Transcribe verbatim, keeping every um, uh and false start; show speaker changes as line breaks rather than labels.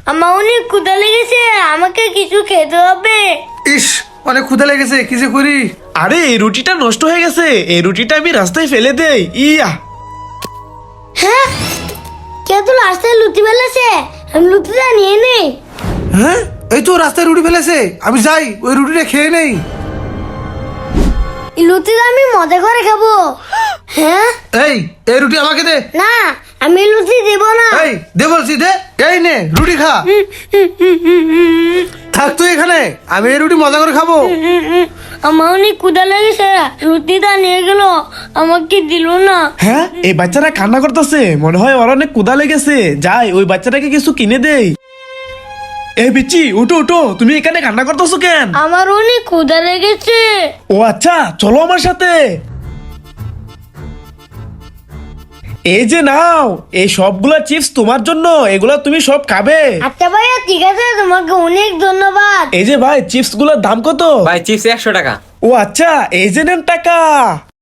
আমার অনেক ক্ষুধা লেগেছে, আমাকে কিছু খেতে হবে।
ইস, অনেক ক্ষুধা লেগেছে, কিছু করি।
আরে এই রুটিটা নষ্ট হয়ে গেছে, এই রুটিটা আমি রাস্তায় ফেলে দেই। ইয়া
হ্যাঁ, কে তো রাস্তায় লুচি ফেলেছে, আমি লুচিটা নিয়ে নেই।
হ্যাঁ, এই তো রাস্তায় রুটি ফেলেছে, আমি যাই ওই রুটিটা খেয়ে নেই।
এই লুচিটা আমি মজা করে খাবো। হ্যাঁ,
এই এই রুটি আমাকে দে।
না, আমি লুচি দেব না।
এই দে বলছি, দে। এই নে রুটি খা। থাক তুই এখানে, আমি এই রুটি মজা করে খাবো।
আমার অনেক ক্ষুধা লেগেছে, লুচিটা নিয়ে গেল, আমাকে দিল না।
হ্যাঁ, এই বাচ্চাটা কান্না করতেছে, মনে হয় ওর অনেক ক্ষুধা লেগেছে। যাই ওই বাচ্চাটাকে কিছু কিনে দেই। এই বিচি, উঠো উঠো, তুমি এখানে কান্না করতেছো কেন?
আমার অনেক ক্ষুধা লেগেছে।
ও আচ্ছা, চলো আমার সাথে। এই যে নাও, এই সবগুলা চিপস তোমার জন্য, এগুলা তুমি সব খাবে।
আচ্ছা ভাইয়া, ঠিক আছে, তোমাকে অনেক ধন্যবাদ।
এই যে ভাই, চিপস গুলোর দাম কত?
ভাই চিপস একশো টাকা।
ও আচ্ছা, এই যে নেন টাকা।